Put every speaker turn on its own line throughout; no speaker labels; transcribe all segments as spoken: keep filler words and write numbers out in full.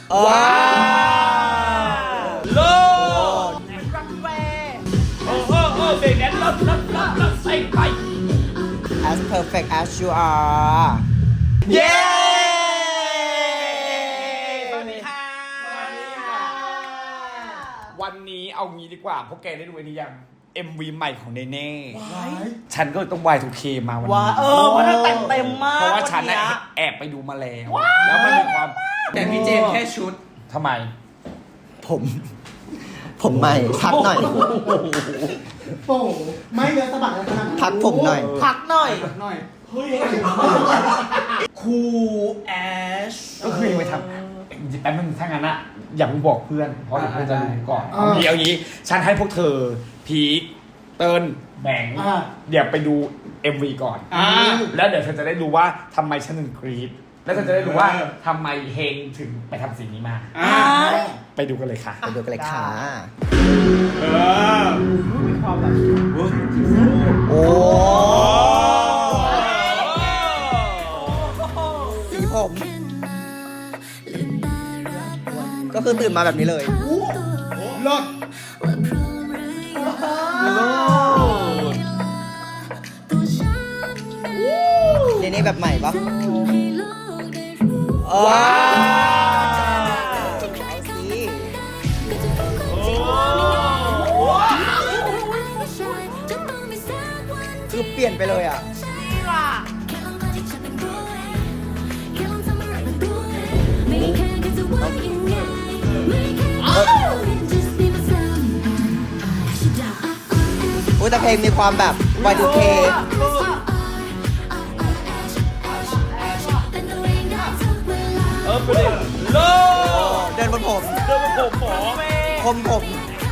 ว้าวโลด
รันเวย์
โอ้โหโอ้เบรกแดนซ์ลดลดลดลดใส่ไป
as perfect as you are
เย้
สวัสดีค่ะ
วันนี้เอางี้ดีกว่าพวกแกได้ดูอันนี้ยัง เอ็ม วี ใหม่ของเนเน่ฉันก็ต้อง วาย ทู เค มาวัน
ว้า
นี้
เออมันแต่งเต็มมาก
เพราะว่าฉัน
เย
แอบไปดูมาแล้ว แล้วมันมีความ
แต่พี่เจมส์แค่ชุด
ทำไม
ผม ผมใหม่พักหน่อย
โอ้โหไม่เยอะสะบัดเลยขนาดนั้น
พักผมหน่อย
พักหน่อย
หน่อย
เฮ้ย
คูแอช
ก็คือไปทำแป๊บนึงถ้างั้นอะอย่าเพิ่งบอกเพื่อน เพราะเดี๋ยวเพื่อนจะรู้ก่อนเอางี้เอางี้ ฉันให้พวกเธอ พีคเติ้ลแบงค์
อ่า
เดี๋ยวไปดู เอ็ม วี ก่อน
อ่า
แล้วเดี๋ยวเธอจะได้รู้ว่าทำไมฉันถึงกรี๊ดแล้วเธอจะได้รู้ว่าทำไมเฮงถึงไปทำสิ่งนี้มา
อ่า
ไปดูกันเลยค่ะ
ไปดูกันเลยค่ะ
เออ
มีความแบบ
โอ้สีผม ก็คือตื่นมาแบบนี้เลย
รถ
เนเน่แบบใหม่ปะว้าวเอาสิคือเปลี่ยนไปเลยอ่ะ
นี่ล่ะ
อุ้ยแต่เพลงมีความแบบ วาย ทู เค
เออไปเลยโล
เดินบนผม
เดินมาผมหมอ
คมผม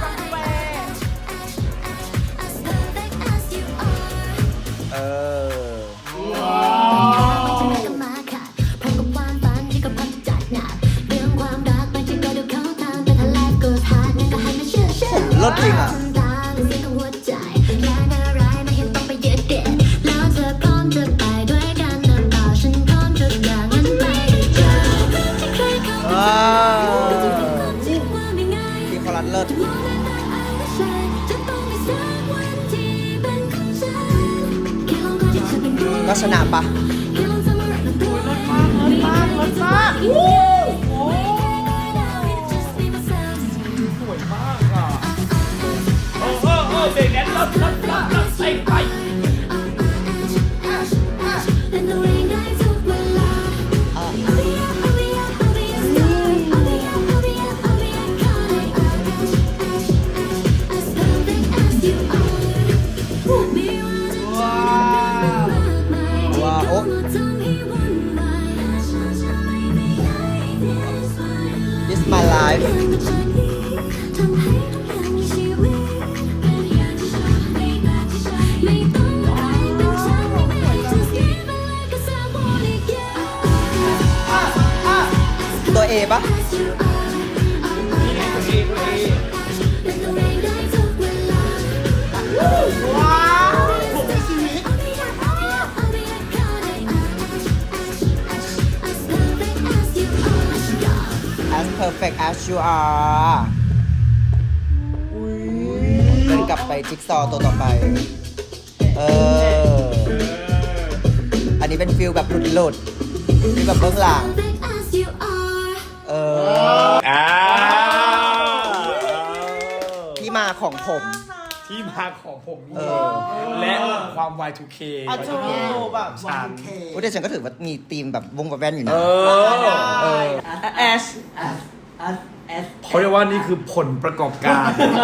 เออ รถจริงอ่ะ ว้าวพี่คอรัสเลิศก็ชนะปะ
มากรถมาก
สวยมากอ่ะโอ้โหโอ้เบรกแดนซ์ลดลดลดลดใส่ไป
ว้าวโอ้ This my life ตัว A ปะ
ว้าว
as perfect as you are เดินกลับไปจิ๊กซอว์ตัวต่อไป เออ อันนี้เป็นฟิลแบบหลุดๆฟิลแบบเบื้องหลัง เออ
อ่า
ที่มาของผม
ที่มาของผม
เอ
นี่
อ
และความ วาย ทู เค
อ่ะจูแบบ
ฉัน
โอ้แต่ฉันก็ถือว่ามีธีมแบบวงกับแว่นอยู่
เอ
นะ
อ
เออ
แอช
เขาเรียกว่านี่คือผลประกอบการ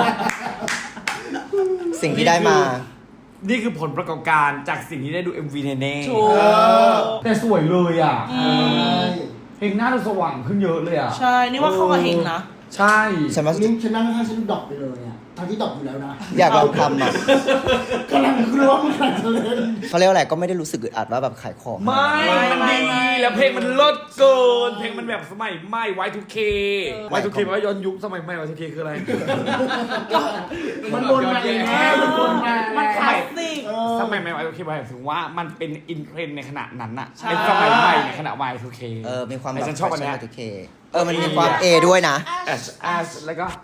สิ่งที่ได้มา
นี่คือผลประกอบการจากสิ่งที่ได้ดู เอ็ม วี เนเน่
ถูก
แต่สวยเลยอ่ะ
อืม
เพลงหน้าดูสว่างขึ้นเยอะเลยอ่ะ
ใช่ นี่ว่าเข้ากับเฮงนะ
ใช่
ฉันว่า
นี่ฉันนั่งข้างฉันดรอปไปเลยอ่ะทั้งที่ตอบอยู่แล้วนะ
อยากลองทำอ่ะ
กำลังกลัวมึงกำลังจะเล่น
เขาเรียกว่าอะไรก็ไม่ได้รู้สึกอึดอัดว่าแบบขายของ
ไม่ มันดี แล้วเพลงมันเลิศเกิน เพลงมันแบบสมัยใหม่ วาย ทู เค วาย ทู เค แปลว่าย้อนยุคสมัยใหม่ วาย ทู เค คืออะไร
มันบนมาเองแน่มันบนมา
มันค
แล้
ลาสสิก
สมัยใหม่ วาย ทู เค หมายถึงว่ามันเป็นอินเทรนด์ในขณะนั้นน่ะเป็นสมัยใหม่ในขณะ วาย ทู เค
เออมีความ
แต่
แบบ
ฉันชอบอันเนี้ย
โอเคเออมันมีความ A ด้วยนะ
H S แล้วก็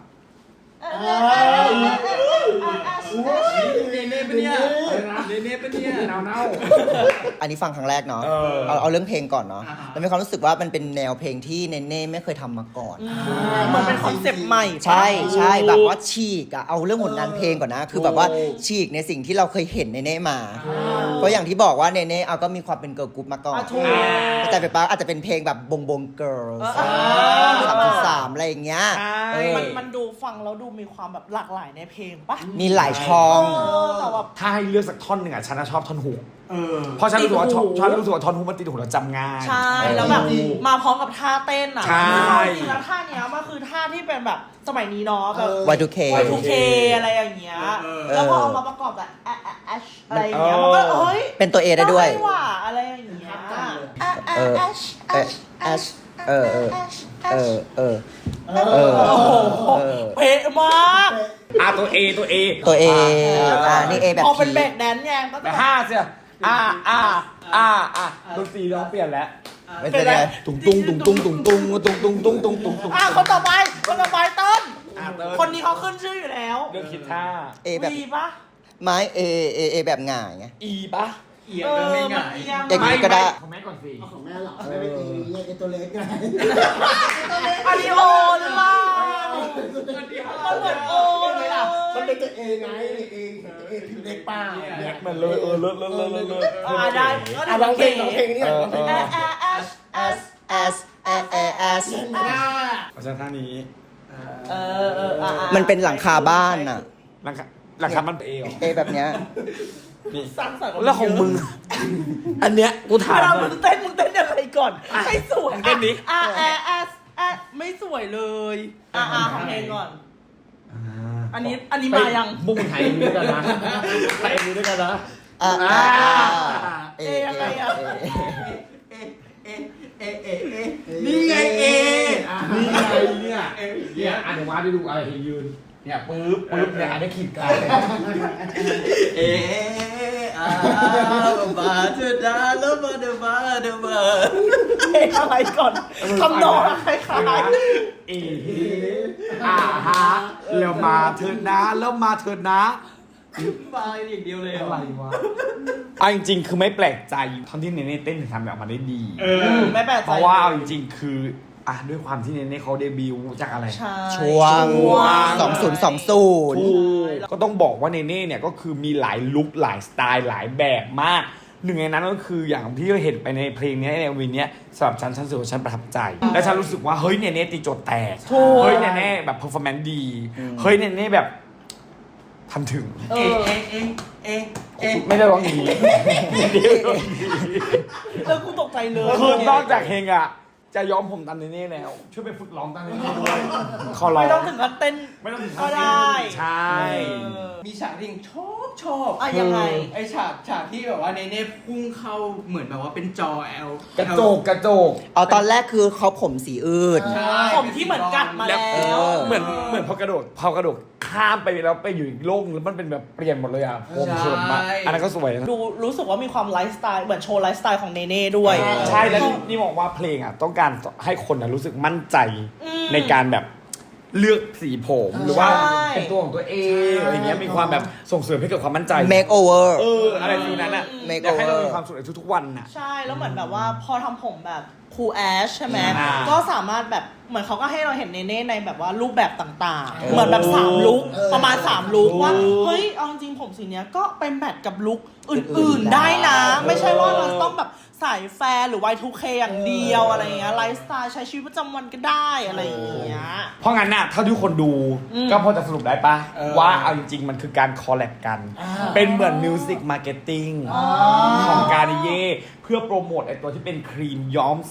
เนเน่ปะเนี่ยเนเน่ปะเนี่ย
เน่าเน่า
อันนี้ฟังครั้งแรกเนาะ
เออ
เอาเอาเรื่องเพลงก่อนเนาะแล้วมีความรู้สึกว่ามันเป็นแนวเพลงที่เนเน่ไม่เคยทำมาก่อน
เหมือนเป็นคอนเซปต์ใหม่
ใช่ใช่แบบว่าฉีกอะเอาเรื่องผลงานเพลงก่อนนะ คือแบบว่าฉีกในสิ่งที่เราเคยเห็นเนเน่มา เพราะอย่างที่บอกว่าเนเน่เอาก็มีความเป็นเกิร์ลกรุ๊ปมาก่อน
อ่ะถูก
แต่ไปป้าอาจจะเป็นเพลงแบบบงบงเกิร์ล
เออ
สามจุดสามอะไรอย่างเงี้ย
ใช่
เออ
มันมันดูฟังแล้วดูมีความแบบหลากหลายในเพลงปะ
มีหลายช่อง
เออแต่แบบ
ถ้าให้เลือกสักท่อนหนึ่งอ่ะฉันน่ะชอบท่อนฮุก
เออ
เพราะฉันรู้สึกว่า
ติดหู
ฉันรู้สึกว่าท่อนฮุกมันติดหูเราจำง่าย
ใช่ แล้วแบบมาพร้อมกับท่าเต้นอ่ะ
ใช่
จริงๆแล้วท่าเนี้ยมันคือท่าที่เป็นแบบสมัยนี้เนาะแบบ
วาย ทู เค
วาย ทู เค อะไรอย่างเงี้ย
เออ
แล้วพอเอามาประกอบกับแอแอชอะไรอย่างเงี้ย มันก็เฮ้ย
เป็นตัว A ได้ด้วย
ว่ะอะไรอย่างเงี้ย
เออ
แอช
เออ H เออเออเออเออเออ
โอ้โห
เออ
เป๊ะมาก
อ่ะตัว A ตัว A
ตัว A อ่านี่ A แบบ
พอเป็น
พี
เบรกแดนซ์ไงก็
แต่
จะ
ห้าเสียอ่าอ่าอ่าอ่าดนตรีเราเปลี่ยนแล้ว
ไม่เป็นไร
ตุ้งตุ้งตุ้งตุ้งตุ้งตุ้งตุ้งตุ้งตุ้งตุ้งตุ้งตุ้ง
อ่ะคนต่อไป คนต่อไปต้น
อ่ะเติม
คนนี้เขาขึ้นชื่ออยู่แล้ว
เรื่องคิดท่า
A แบบ
วีปะ
ไม้ A A A แบบหง่ายไง
E ปะ
เอียงก็ไม่หงาย
เอียง
เอกก็ได้
ของแม่ก่อนสิ
เอาของแม่เหรอไม่เป็นตีไอ้ตัวเล็กไง
อันนี้โอหรือเปล่ามันเหมือนโอเลยอ่ะ
มันเป็นตัวเองไงเองเองเล็กป้า
แม็กมันเลยเออเลิศเลิศเลิศเลิศเลิศ
อ่าได้ก็
อ่ะลองเพลงลองเพลงนี่หน่อยลองเพลง
แอ
นี่
แอ S S
S A A S
เพราะฉะนั้นท่านี้
เออเอออ่ะอ่ะ
มันเป็นหลังคาบ้านน่ะ
หลังคาหลังคามัน A เหรอ
A แบบเนี้ย
นี่
สร้างสรรค์
แล้วของมึง อันเนี้ยกูถาม
เวลา
หน่
มึ
อย
งเต้นมึงเต้นยังไงก่อนให้สวย
เต้นดิ
อ่ะแอ S S ไม่สวยเลยอ่ะอ่ะของเพลงก่อน อันนี้อันนี้มายัง
มุ่งถ่ายเอ็มวีด้วยกันนะถ่ายเอ็มวีด้วยกันนะ
อ่าอ่า
เอยังไงอ่ะ
เอเอเอเอเอนี่ไงเอ
นี่ไงเนี่ยเนี่ยอ่ะเดี๋ยวมาได้ดูอะไรยืน เนี่ยปึ๊บปึ๊บเนี่ยอันนี้ขีดกลาง
เออาบาเธอดาลบาเดบาเดบา
เพลงอะไรก่อนคำนองคล้าย
เออ่าฮะแล้วมาเถิดนะแล้วมาเถิดนะ
บาอย่างเดียวเลย
อะไรวะเอาจริงๆ คือไม่แปลกใจท่อนที่เนเน่เต้นถึงทำแบบมาได้ดี
ๆไม่แปลกใจ
เพราะว่าเอาจริงๆ คืออ่ะด้วยความที่เนเน่เขาเดบิวต์จากอะไร
ใช่
ช่วงสองศูนย์สองศูนย์
ถูกก็ต้องบอกว่าเนเน่เนี่ยก็คือมีหลายลุคหลายสไตล์หลายแบบมาก หนึ่งในนั้นก็คืออย่างที่เราเห็นไปในเพลงนี้ในวินเนี้ยสำหรับฉันฉันรู้สึกว่าฉันประทับใจ และฉันรู้สึกว่าเฮ้ยเนเน่ตีโจทย์แตกเฮ้ยเนเน่แบบเพอร์ฟอร์แมนซ์ดีเฮ้ยเนเน่แบบทำถึง
เอ
เอ
อ
เอเอเอ
ไม่ได้ร้องอย่างนี้ไม่ได้ร้องอย่างนี้
แล้วกูตกใจเลย
คือนอกจากเพลงอ่ะจะยอมผมตามเนเน่แล้วช่วยไปฝึกร้องตามเนเน่ด้วยขอร้อง
ไม่ต้องถึงกับเต้น
ไม่ต้องถึง
ก็ได้
ใช่
เออ
มีฉากที่ยังชอบชอบ
อ่ะยังไง
ไอฉากฉากที่แบบว่าเนเน่พุ่งเข้าเหมือนแบบว่าเป็นจอ L
กระโจกกระโจก
เอาตอนแรกคือเขาผมสีอื่น
ใช่
ผมที่เหมือนกัดมาแล้ว
เออ
เหมือนเหมือนพอกระโดดพอกระโดดข้ามไปแล้วไปอยู่อีกโลกนึงแล้วมันเป็นแบบเปลี่ยนหมดเลยอ่ะผมเขิมอะอันนั้นก็สวยนะ
ดูรู้สึกว่ามีความไลฟ์สไตล์เหมือนโชว์ไลฟ์สไตล์ของเนเน่ด้วย
ใช่แล้วนี่นี่บอกว่าเพลงอ่ะต้องการให้คนอ่ะรู้สึกมั่นใจ
อืม
ในการแบบเลือกสีผมหรือว่า
ใช่
เป็นตัวของตัวเองอะไรเงี้ยมีความแบบส่งเสริมให้เกิดความมั่นใจ
make over
เอออะไรฟิลนั้นอ่ะ
Make
อยากให้เรา
over
มีความสุขในทุกๆวันน่ะ
ใช่แล้วเหมือนแบบว่าพอทำผมแบบคูลแอชใช่ไหม
อ่า
ก็สามารถแบบเหมือนเขาก็ให้เราเห็นเนเน่ในแบบว่ารูปแบบต่าง
เออ
ๆ เหมือนแบบสามลุค
เออ
ประมาณสามลุค
ถูก
ว่าเฮ้ยเอาจริงๆผมสีเนี้ยก็ไปแมทกับลุคอื่นๆได้นะ ไม่ใช่ว่าเราต้องแบบสายแฟร์หรือ วาย ทู เค อย่างเดียวอะไรเงี้ยไลฟ์สไตล์ใช้ชีวิตประจำวันก็ได้อะไรอย่างเงี้ย
เพราะงั้นน่ะเท่าที่คนดู
อืม
ก็พอจะสรุปได้ปะว่าเอาจริง ๆ มันคือการคอลแลบกัน เป็นเหมือนมิวสิกมาร์เก็ตติ้งของการิเย่เพื่อโปรโมทไอตัวที่เป็นครีมย้อมสี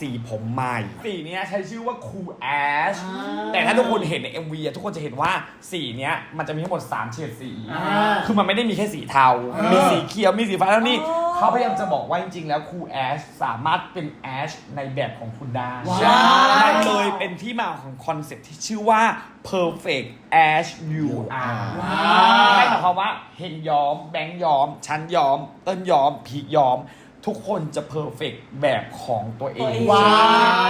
สีผมใหม่ สีเนี้ยใช้ชื่อว่า Cool Ash แต่ถ้าทุกคนเห็นใน เอ็ม วี อะทุกคนจะเห็นว่าสีเนี้ยมันจะมีทั้งหมดสามเฉดสี คือมันไม่ได้มีแค่สีเทา มีสีเขียว มีสีฟ้าแล้วนี่เขาพยายามจะบอกว่าจริงๆแล้ว Cool Ash สามารถเป็น Ash ในแบบของคุณได้มันเลยเป็นที่มาของคอนเซ็ปต์ที่ชื่อว่า perfect Ash you are ไม่หมายความว่าเฮงย้อมแบงค์ย้อมชั้นย้อมเต้นย้อมพีคย้อมทุกคนจะเพอร์เฟกแบบของตัวเอง
ว้าว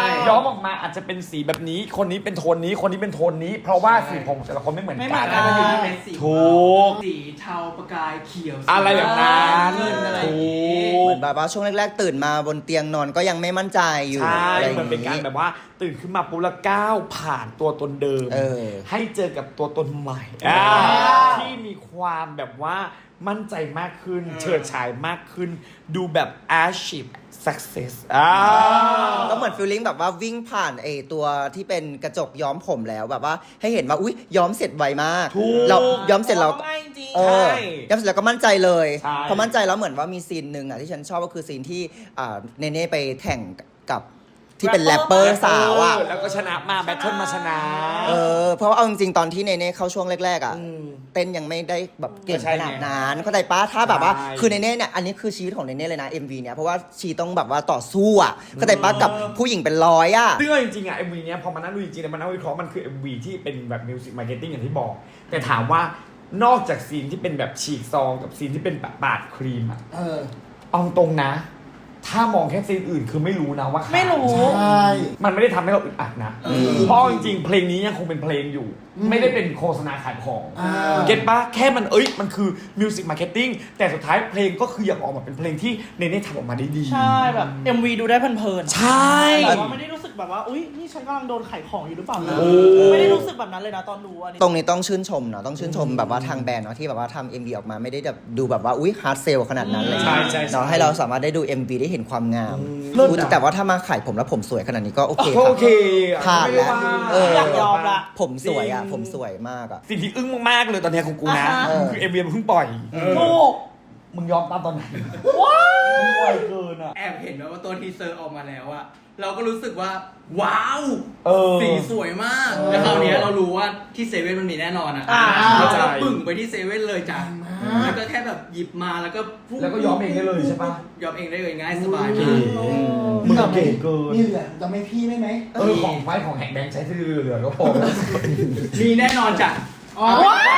ย้อมออกมาอาจจะเป็นสีแบบนี้คนนี้เป็นโทนนี้คนนี้เป็นโทนนี้ เพราะว่าสีผมแต่ละคนไม่เหมือน
ไม่เหมื
กั
อน นกัน
มันอยู่ที่เป็นสี
ถูก
สีเทาประกายเขียว
อะไรแบบนั้น
เงินอะไรอย่าง
ถู
งี้
ก
เหมือนแบบว่าช่วงแรกๆตื่นมาบนเตียงนอนก็ยังไม่มั่นใจอยู่
ใช่
อะไรอย่
มัน
ง
เป็นการแบบว่าตื่นขึ้นมาปุ๊บแล้วก้าวผ่านตัวตนเดิม
เออ
ให้เจอกับตัวตนใหม่อ่าที่มีความแบบว่ามั่นใจมากขึ้น เฉิดฉายมากขึ้น ดูแบบ achieve success อ่า
ก็เหมือนฟีลลิ่งแบบว่าวิ่งผ่านไอตัวที่เป็นกระจกย้อมผมแล้วแบบว่าให้เห็นว่าอุ๊ยย้อมเสร็จไวมาก
ถูก
เราย้อมเสร็จเรา
ง่ายจริง
เออ
ใช่
ย้อมเสร็จแล้วก็มั่นใจเลย
ใช่
พอมั่นใจแล้วเหมือนว่ามีซีนหนึ่งอ่ะที่ฉันชอบก็คือซีนที่อ่าเนเน่ไปแข่งกับที่เป็นแรปเปอร์สาวอ่ะ
แล้วก็ชนะมาแบทเทิลมาชนะ
เออเพราะว่าเอาจริงๆตอนที่เนเน่เข้าช่วงแรกๆอ่ะ
อืม
เต้นยังไม่ได้แบบเก่ง
ก็ใช่
ข
ไง
นาดนั้นเข้าใจป้าถ้าแบบว่า
ใช่
คือเนเน่เนี่ยอันนี้คือชีวิตของเนเน่เลยนะ เอ็ม วี เนี่ยเพราะว่าชีต้องแบบว่าต่อสู้อ่ะเข้าใจป้ากับผู้หญิงเป็นร้อยอ่ะ
ซึ่งเอาจริงๆอ่ะ เอ็ม วี เนี้ยพอมานั่งดูจริงๆแล้วมันนั่งวิเคราะห์มันคือ เอ็ม วี ที่เป็นแบบมิวสิกมาร์เก็ตติ้งอย่างที่บอก แต่ถามว่านอกจากซีนที่เป็นแบบฉีกซองกับซีนที่เป็นแบบปาดครีมอ่ะ
เออ
เอาตรงนะ ถ้ามองแค่ซีนอื่นคือไม่รู้นะว่าขาย
ไม่รู้
ใช่
มันไม่ได้ทำให้เราอึดอัดนะ เพราะจริงๆเพลงนี้ยังคงเป็นเพลงอยู่
อืม
ไม่ได้เป็นโฆษณาขายของ
อ่า
เก็ตปะแค่มันเอ้ยมันคือมิวสิกมาร์เก็ตติ้งแต่สุดท้ายเพลงก็คืออยากออกมาเป็นเพลงที่เนเน่ทำออกมาได้ดี
ใช่แบบ เอ็ม วี ดูได้เพลินๆ
ใช่
แต่ว่าไม่ได้รู้สึกแบบว่า อุ้ยนี่ฉันกำลังโดนขายของอยู่หรือเปล่านะ
โอ้
ไม่ได้รู้สึกแบบนั้นเลยนะตอนดูอันนี้
ตรงนี้ต้องชื่นชมเนาะต้องชื่นชมแบบว่าทางแบรนด์เนาะที่แบบว่าทำ เอ็ม วี ออกมาไม่ได้แบบดูแบบว่าอุ้ยฮาร์ดเซลขนาดนั้นเลย
ใช่ใช่ใช่
เนาะให้เราสามารถได้ดู เอ็ม วี ได้เห็นความงาม
เลิศ
อุ๊ย
อะ
แต่ว่าถ้ามาขายผมแล้วผมสวยขนาดนี้ก็โอเคค
โอ
รับ
เค
ผ่านแล้ว
ไม่ได้
เออ
อยากยอมละ
ผมสวยอ่ะ
จริง
ผมสวยมากอ่ะ
สิ่งที่อึ้งมากๆเลยตอนเนี้ยของกูนะ
อ่าฮะ
คือ เอ็ม วี มันเพิ่งปล่อย
ถูก
มึงยอมตามตอนไหนมึงไวเกินอ่ะ
แอบเห็นแบบว่าตัวทีเซอร์ออกมาแล้วอะเราก็รู้สึกว่า ว้าว
เออ
สีสวยมาก แล้วคราวเนี้ยเรารู้ว่าที่เซเว่นมันมีแน่นอนอะ
อ่า
เรา
เข้าใจ
ก็ปึ่งไปที่เซเว่นเลยจ้ะแล้วก็แค่แบบหยิบมาแล้วก็พุ่ง
แล้วก็ย้อมเองได้เลยใช่ปะ
ยอมเองได้เลยง่ายสบาย
เก๋
มาก
มึงเก๋เกิน
นี่เหลือจะไม่พี่ได้ไหม
เออของไฟของแฮกแบงค์ใช้ที่เหลือๆก็พอ
มีแน่นอนจ้ะ
อ๋อ
ว้าว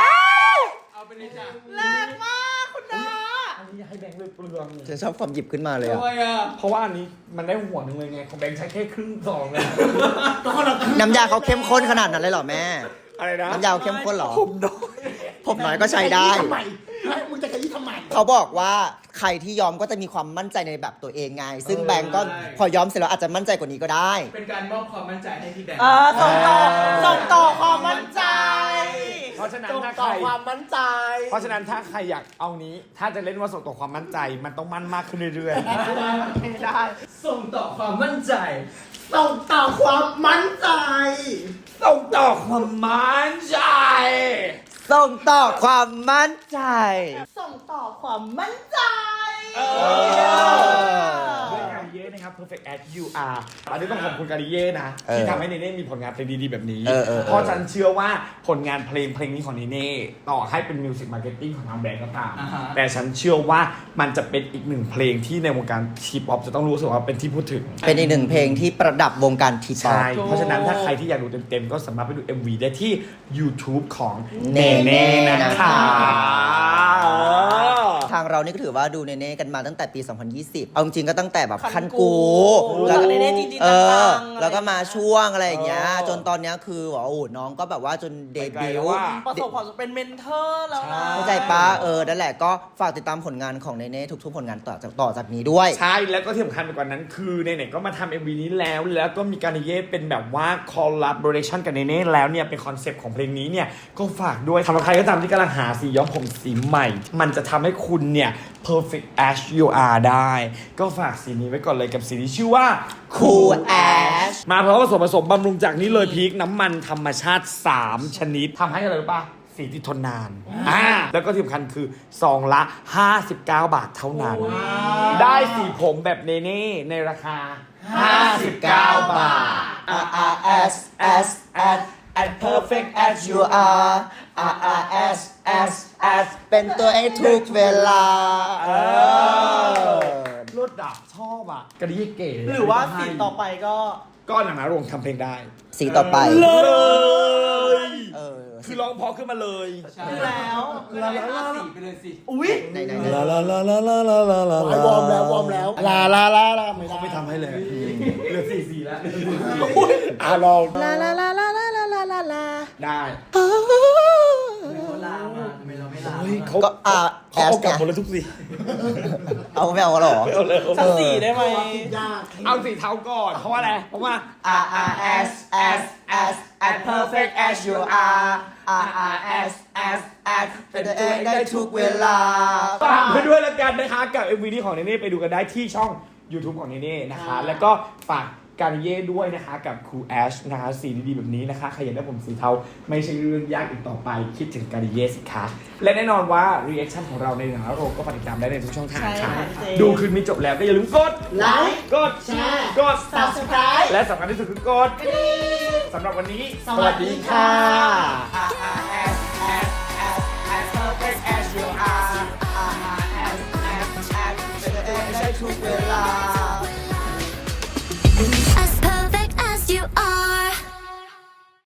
เอาไปเลยจ้ะ
แรงมากคุณดา
อันนี้ให้แบงค์เลยเปลือง
ฉันชอบความหยิบขึ้นมาเลย
ด้
อ่ะ
วยอะ
เพราะว่าอันนี้มันได้หัวหนึ่งเลยไงของแบงค์ใช้แค่ครึ่งซองเลย
น้ำยาเขาเข้มข้นขนาดนั้นเลยเหรอแม่
อะไรนะ
น้ำยาเขาเข้มข้นเหรอ
ผมน้อย
ผมน้อยก็ใช้ได้
ทำไมมึงจะขยี้ทำไม
เขาบอกว่าใครที่ยอมก็จะมีความมั่นใจในแบบตัวเองไง ซึ่งแบงก์ก็พอยอมเสร็จแล้วอาจจะมั่นใจกว่านี้ก็ได้
เป็นการมอบความมั่นใจให้พี่แบงค์
เออส่งต่อส่งต่อความมั่นใจ
เพราะฉะนั้น
จง
ถ้า
ต่
ใค
อ
ร
ความมั่นใจ
เพราะฉะนั้นถ้าใครอยากเอานี้ ถ้าจะเล่นว่าส่งต่อความมั่นใจ มันต้องมั่นมากขึ้นเรื่อย
ไม่ได้
ส่งต่อความมั่นใจ
ส่งต่อความมั่นใจ
ๆส่งต่อความมั่นใจ
ส่งต่อความมั่นใจ
ส่งต่อความมั่นใจ
ด้วยการิเย่นะครับ perfect as you are อันนี้ต้องขอบคุณการิเย่นะ
เออ
ที่ทำให้เนเน่มีผลงานเพลงดีๆแบบนี้
เออเออเออ
เพราะฉันเชื่อว่าผลงานเพลงเพลงนี้ของเนเน่ต่อให้เป็นมิวสิกมาร์เก็ตติ้งของทางแบรนด์ก็ตาม
อ่าฮะ
แต่ฉันเชื่อว่ามันจะเป็นอีกหนึ่งเพลงที่ในวงการทีป๊อปจะต้องรู้สึกว่าเป็นที่พูดถึง
เป็นอีกหนึ่งเพลงที่ประดับวงการทีป๊อป
ใช่ เพราะฉะนั้นถ้าใครที่อยากดูเต็มๆ ก็สามารถไปดู เอ็ม วี ได้ที่ YouTube ของเน
เน่
เน่
นะ
นะคะ คะ
ทางเรานี่ก็ถือว่าดูเนเน่กันมาตั้งแต่ปี สองพันยี่สิบ เอาจริงๆก็ตั้งแต่แบบ
คั
คั
น
น
กู
กู
รู้จักเนเน่จริงๆ
เออ
จังๆ
แล้วก็มาช่วงอะไรอย่างเงี้ย
เออ
จนตอนเนี้ยคือว่าโอ้โหน้องก็แบบว่าจนเด
ไปไกล
บิ
แล้ว
ว
ว่า
ต์
ประสบความสำเร็จเป็นเมนเทอร์แล้วนะ
เข้าใจปะเออ นั่นแหละก็ฝากติดตามผลงานของเนเน่ทุกๆผลงานต่อจากต่อจากนี้ด้วย
ใช่ แล้วก็ที่สำคัญไปกว่านั้นคือเนเน่ก็มาทำ เอ็ม วี นี้แล้ว แล้วก็มีการเย่เป็นแบบว่า collaboration กับเนเน่แล้วเนี่ย เป็นคอนเซปต์ของเพลงนี้เนี่ย ก็ฝากด้วยสำหรับใครก็ตามที่กำลังหาสีย้อมผมสีใหม่ มันจะทำให้คุณเนี่ย perfect as you are ได้ ก็ฝากสีนี้ไว้ก่อนเลยกับสีที่ชื่อว่า
Cool Ash
มาพร้อมกับส่วนผสมบำรุงจากนี้เลยพีคน้ำมันธรรมชาติ สาม ชนิดทำให้อะไรรู้ป่ะ สีที่ทนนานอ่าแล้วก็ที่สำคัญคือซองละ ห้าสิบเก้า บาทเท่านั้น ได้สีผมแบบเนเน่ในราคา
ห้าสิบเก้าบาท R R S S S as perfect as you are R R S S S เป็นตัวเองทุกเวลา เออ
รถดับชอบอ่ะกระดิ่งเก๋
หรือว่าสีต่อไปก็
ก็หนังนาโรงทำเพลงได้
สีต่อไป
เลย
เออ
คือร้องเพอขึ้นมาเลย
คือแล้ว
ลาลาลาสีไปเลยสิ
อุ้ย
ไหนไหน
ลาลาลาลาลาลาลาลาว
อร์มแล้ววอร์มแล้วลาลาลาลาไม่ได้
เขาไม่ทำให้เลยเหลือสี่สี่แล้ว
อ่ะลอง
ลาลาลาลาลาลาลาลาลา
ได้
เขาลามาทำไมเราไม่ลา
เฮ้ยเขา
ก็ R
เขาเอา
S
กลับ
ไง
หมดเลยทุกสี
เอาไม่เอากันหรอ
เอาเลย
สักสีได้ไหม
ยาก
เอาสีเทาก่อนเพราะว่าอะไรเพราะว่า
R R S S S as perfect as you are R R S S S เป็นตัวเองได้ทุกเวลา
ฝากไปด้วยแล้วกันนะคะกับ เอ็ม วี นี้ของเนเน่ไปดูกันได้ที่ช่อง YouTube ของเนเน่นะคะ แล้วก็ฝากการเย่ด้วยนะคะกับครูแอชนะคะสีดีๆแบบนี้นะคะใครอยากได้ผมสีเทาไม่ใช่เรื่องยากอีกต่อไปคิดถึงการเย่สิคะและแน่นอนว่ารีแอคชั่นของเราในหนังโรงก็ฝากติดตามได้ในทุกช่องทาง
ใช่
ค่ะ
ค่ะเจ
ดูคืนนี้จบแล้วก็อย่าลืมกด
ไลค์
กด
แชร์
กด
Subscribe
และสำคัญที่สุดคือกดสำหรับวันนี้
สวัสดีค่ะ
อ่า